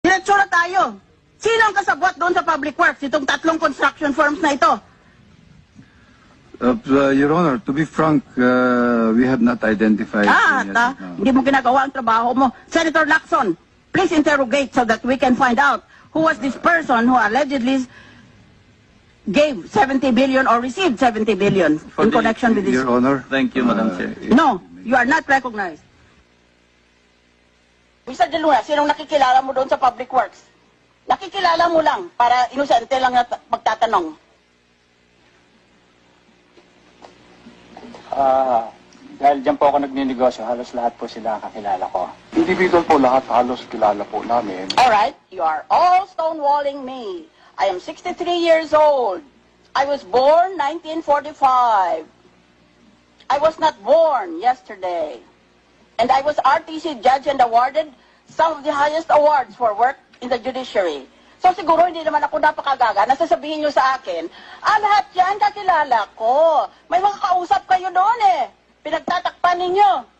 Diretso na tayo. Sino ang kasabwat doon sa public works? Itong tatlong construction firms na ito. Your Honor, to be frank, we have not identified. Hindi mo ginagawa ang trabaho mo. Senator Lacson, please interrogate so that we can find out who was this person who allegedly gave 70 billion or received 70 billion in connection with this. Your Honor. Thank you, Madam Chair. No, you are not recognized. Mr. De Luna, sinong nakikilala mo doon sa public works? Nakikilala mo lang para inosente lang na magtatanong. Dahil dyan po ako nagninegosyo, halos lahat po sila kakilala ko. Individual po lahat, halos kilala po namin. Alright, you are all stonewalling me. I am 63 years old. I was born 1945. I was not born yesterday. And I was RTC judge and awarded some of the highest awards for work in the judiciary. So siguro hindi naman ako napakagaga na sasabihin nyo sa akin, lahat yan kakilala ko. May mga kausap kayo doon eh. Pinagtatakpan ninyo.